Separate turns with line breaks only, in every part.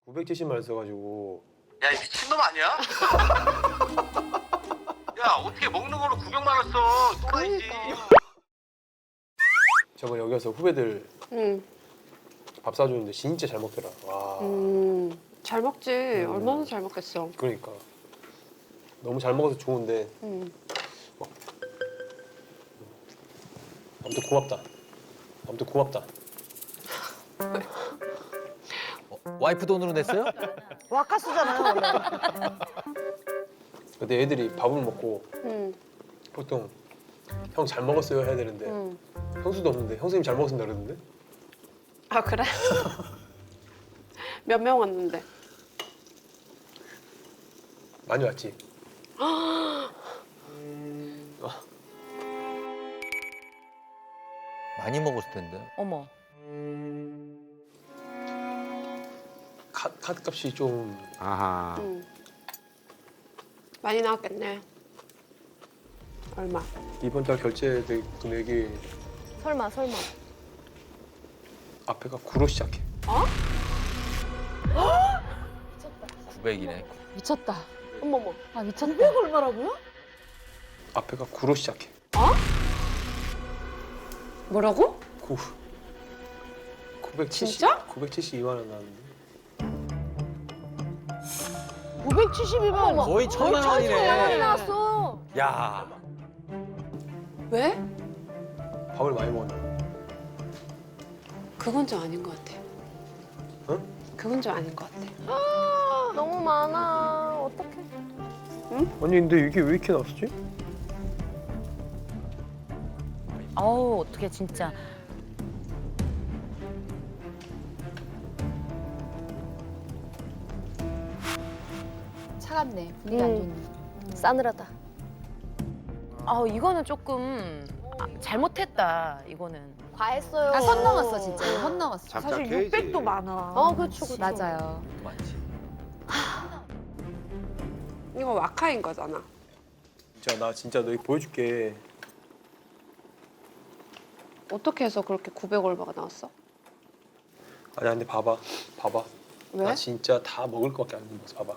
970만 써가지고.
야, 이 미친놈 아니야? 야, 어떻게 먹는 걸로 900만 원 써? 또라이지.
저번에 여기 와서 후배들
응.
밥 사주는데 진짜 잘 먹더라. 와.
잘 먹지. 얼마나 잘 먹겠어.
그러니까 너무 잘 먹어서 좋은데. 아무튼 고맙다. 아무튼 고맙다.
와이프 돈으로 냈어요?
와카스잖아요 원래.
근데 애들이 밥을 먹고
응.
보통 형 잘 먹었어요 해야 되는데
응.
형수도 없는데 형수님 잘 먹었습니다 그러는데.
아 그래? 몇 명 왔는데?
많이 왔지.
많이 먹었을 텐데.
어머.
카드 값이 좀.
아하.
응. 많이 나왔겠네. 얼마?
이번 달 결제 금액이
설마.
앞에가 9로 시작해.
900이네.
미쳤다. 어머머. 아 미쳤다.
900 얼마라고요?
앞에가 9로 시작해.
뭐라고?
9. 970.
진짜?
972만 원 나왔는데.
972만
거의 1000만 원이네.
나왔어.
야.
왜?
밥을 많이 먹었나?
그건 좀 아닌 것 같아.
응?
그건 좀 아닌 것 같아.
너무 많아. 어떡해.
아니 근데 이게 왜 이렇게 나왔지?
어우 어떻게 진짜.
차갑네. 분위기 안 좋네. 싸늘하다.
아 이거는 조금 잘못했다 이거는.
과했어요.
아, 선 넘었어 진짜. 선 넘었어.
사실
600도 많아. 그렇죠.
맞아요.
많지.
이거 와카인 거잖아.
진짜 나 진짜 너희 보여줄게.
어떻게 해서 그렇게 900 얼마가 나왔어?
아니야 근데 봐봐.
왜?
나 진짜 다 먹을 것밖에 안 먹었어. 봐봐.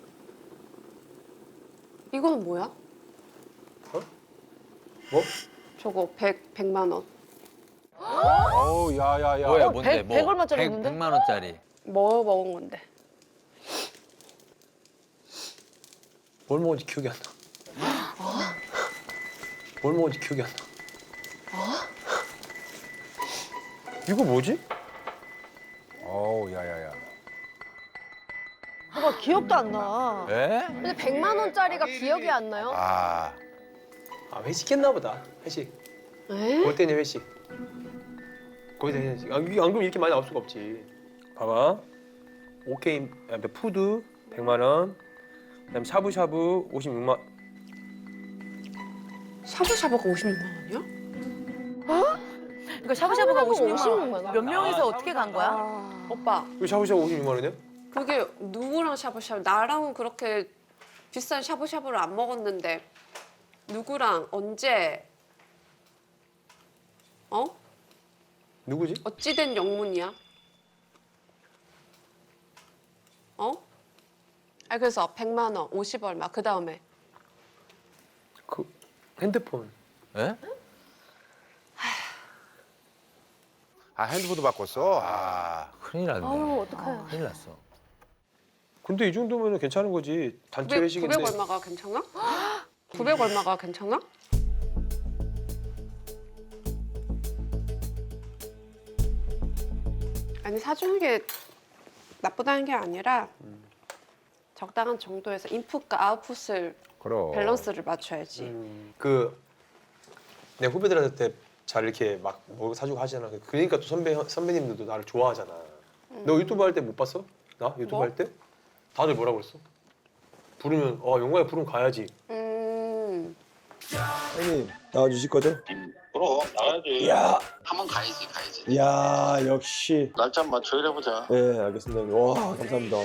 이거는 뭐야?
뭐?
저거 100만 원.
어우 야야야.
뭐야 뭔데?
100 얼마짜리
100,
먹는데?
100만 원짜리.
뭐 먹은 건데?
뭘 먹은지 기억이 안 나. 뭘 먹은지 기억이 안 나. 이거 뭐지?
어우 야야야.
뭐가 기억도 안 나.
에?
근데 100만 원짜리가 기억이 안 나요?
아.
아 회식했나 보다. 회식.
에?
올 때는 회식. 거기다 회식. 안 그러면 이렇게 많이 나올 수가 없지. 봐봐. 오케이 푸드 100만 원. 그다음 샤브샤브 56만.
샤브샤브가 56만 원이야?
그러니까 샤브샤브가 56만 원.
56만 원.
몇 명이서 어떻게 간 거야?
오빠,
이거 샤브샤브 56만 원이야?
그게 누구랑 샤브샤브? 나랑은 그렇게 비싼 샤브샤브를 안 먹었는데 누구랑 언제? 어?
누구지?
어찌된 영문이야? 어? 아 그래서 100만 원, 50 얼마, 그 다음에
그 핸드폰.
에?
아 핸드폰도 바꿨어. 아.
큰일 났네.
어떡해.
큰일 났어.
근데 이 정도면 괜찮은 거지. 단체
900,
회식인데.
900 얼마가 괜찮아? 900 얼마가 괜찮아? 아니 사주는 게 나쁘다는 게 아니라 적당한 정도에서 인풋과 아웃풋을
그럼.
밸런스를 맞춰야지.
내 후배들한테 잘 이렇게 막 뭐 사주고 하잖아. 그러니까 또 선배님들도 나를 좋아하잖아. 너 유튜브 할 때 못 봤어? 나 유튜브
뭐?
할 때? 다들 뭐라 그랬어? 부르면 영화에 부르면 가야지.
형님 나와주실 거죠?
그럼 나가야지.
야,
한번 가야지.
야 역시.
날짜 한번 맞춰보자.
네 알겠습니다 형님. 와 감사합니다.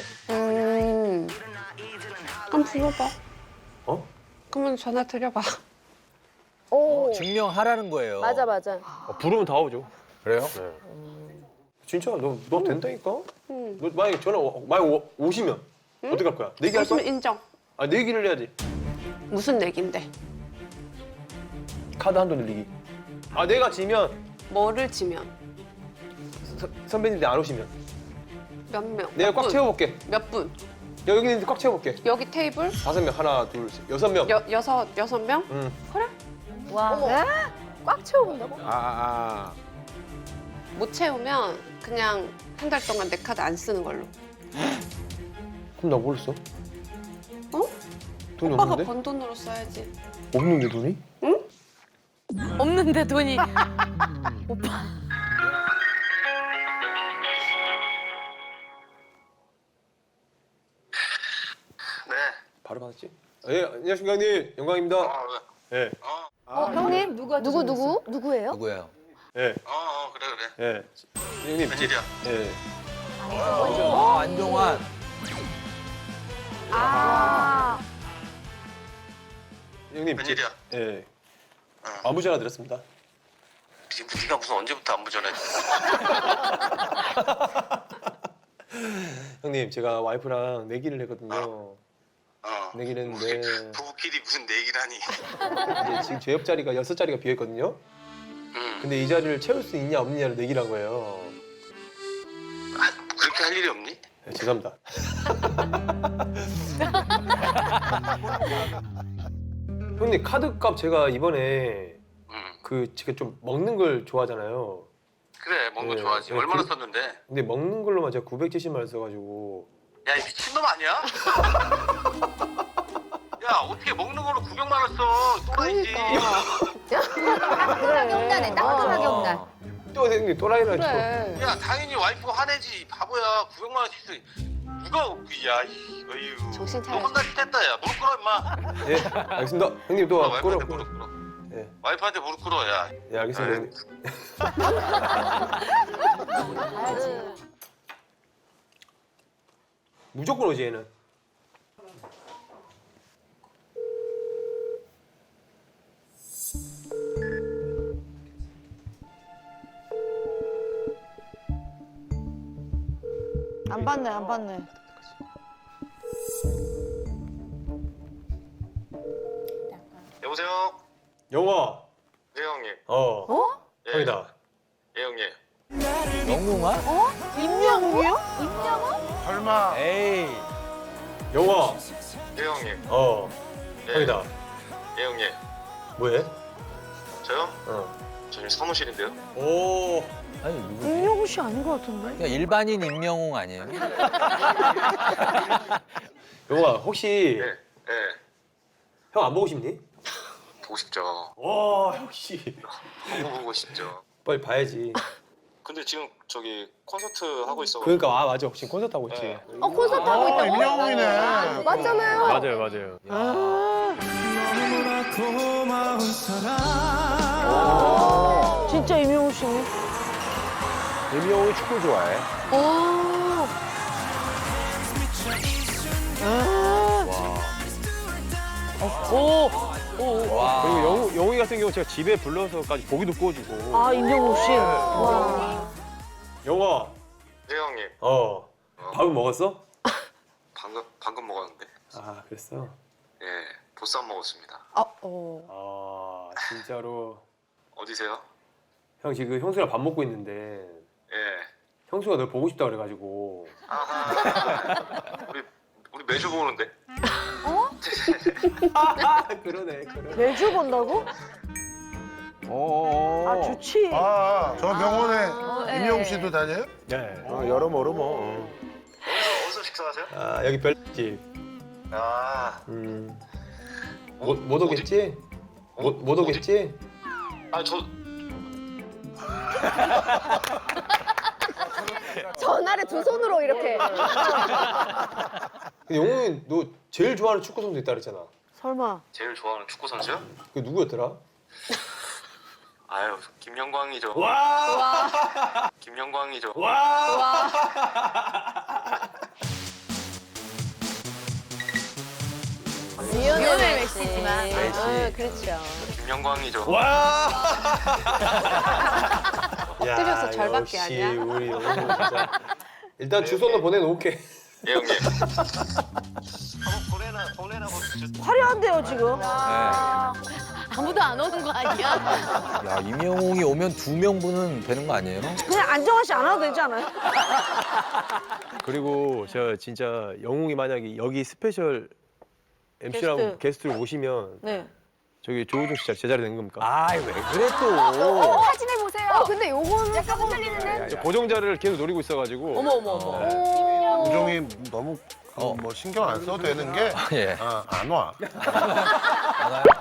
그럼 불러봐.
어?
그러면 전화 드려봐.
오.
증명하라는 거예요.
맞아.
부르면 다 오죠.
그래요?
진짜 너 된다니까? 너 만약에 오시면 어떻게 할 거야? 내기 할
웃으면
거야?
인정.
아 내기를 해야지.
무슨 내기인데?
카드 한도 늘리기. 아 내가 지면
뭐를 지면?
선배님들 안 오시면
몇 명?
내가
몇
꽉
분?
채워볼게.
몇 분?
여기 있는데 꽉 채워볼게.
여기 테이블?
5명 하나 둘 셋, 6명.
여섯 명?
응.
와.
꽉 채워본다고?
못 채우면 그냥 한 달 동안 내 카드 안 쓰는 걸로.
그럼 나 뭘 써?
어?
돈이
오빠가
없는데?
번 돈으로 써야지.
없는데 돈이?
없는데 돈이.
네.
바로 받았지? 예, 안녕하십니까 형님. 영광입니다. 예.
형님 누구예요?
누구예요?
예.
그래.
예. 형님.
웬일이야?
예.
안정환.
아.
형님.
웬일이야?
예. 안부 전화 드렸습니다.
네가 무슨 언제부터 안부 전해?
형님, 제가 와이프랑 내기를 했거든요. 내기를 했는데
부부끼리 무슨 내기라니?
이제 지금 제 옆자리가 6자리가 비어있거든요. 근데 이 자리를 채울 수 있냐 없느냐를 내기를 한 거예요.
그렇게 할 일이 없니?
네, 죄송합니다. 형님 카드값 제가 이번에 제가 좀 먹는 걸 좋아하잖아요.
그래 먹는 거
네,
좋아하지.
네,
얼마나
그-
썼는데?
근데 먹는 걸로만 제가 970만 원 써가지고
야, 이 미친놈 아니야? 야, 어떻게 먹는 걸로 900만 원 써? 또라이지.
따끔하게
온다네. 따끔하게 온다.
또 형님 또라이라
그래.
야, 당연히 와이프가 화내지. 바보야. 900만 원씩 쓰. 누가 야, 어휴.
정신
너
차려.
혼날 짓 했다, 야. 무릎 꿇어, 임마.
예, 알겠습니다. 형님 또
와이프한테
끌어.
무릎 꿇어.
예,
와이프한테 무릎 꿇어, 야.
예, 알겠습니다. 형님. 무조건 오지 얘는.
안 받네.
여보세요?
영화.
네, 형님. 예.
형이다.
예, 형님.
영웅아?
임영웅이요?
설마.
에이.
영화.
네, 형님. 예.
형이다.
예, 형님.
뭐해?
저요?
어.
저 지금 사무실인데요.
오.
아니 누구지?
임영웅 씨 아닌 것 같은데?
그냥 일반인 임영웅 아니에요?
영화 혹시
예. 예.
형 안 보고 싶니?
보고 싶죠.
와 역시.
너무 보고 싶죠.
빨리 봐야지.
근데 지금 저기 콘서트 하고 있어.
그러니까 맞아. 지금 콘서트 하고 있지.
네.
콘서트 하고 있다고?
임영웅이네.
맞잖아요.
맞아요.
진짜 임영웅 씨네.
임영웅이 축구 좋아해.
와.
그리고 영웅이 같은 경우 제가 집에 불러서까지 고기도 구워주고.
아 임영웅 씨. 와.
영화.
네, 형님.
밥은 먹었어?
방금 먹었는데.
아 그랬어.
예. 보쌈 먹었습니다.
아 진짜로.
어디세요?
형 지금 형수랑 밥 먹고 있는데
예.
형수가 널 보고 싶다 그래가지고.
아하. 우리 매주 보는데.
그러네.
매주 본다고? 아 좋지.
저 병원에
네.
임영웅 씨도 다녀요?
네.
여러모로 뭐.
어디서 식사하세요?
아 여기 별집.
아.
못 오겠지? 못 오겠지?
아, 저
전화를 두 손으로 이렇게.
근데 영웅이 너 제일 좋아하는 축구 선수 있다 그랬잖아.
설마.
제일 좋아하는 축구 선수요?
그 누구였더라?
아유, 김영광이죠.
와!
김영광이죠.
와!
리오넬 메시지만.
메시.
그렇죠.
김영광이죠.
와!
엎드려서 절밖에
역시
아니야.
우리 영웅 진짜. 일단 주소는 보내놓을게.
예 형님. 한번 보내나 보내주세요.
화려한데요 지금.
아무도 안 오는 거 아니야?
야, 임영웅이 오면 2명분은 되는 거 아니에요?
그냥 안정환 씨 안 와도 되지 않아요?
그리고 저 진짜 영웅이 만약에 여기 스페셜 MC라고 게스트를 모시면
네.
저기 조우종 씨 제자리 된 겁니까?
아이, 왜 그래 또?
사진해 보세요.
근데 요거는
약간 흔들리는데?
저 고정자를 계속 노리고 있어가지고.
어머 어머 어머.
우종이 너무 뭐 신경 안 써도 되는 게
예.
안 와.
안 와요?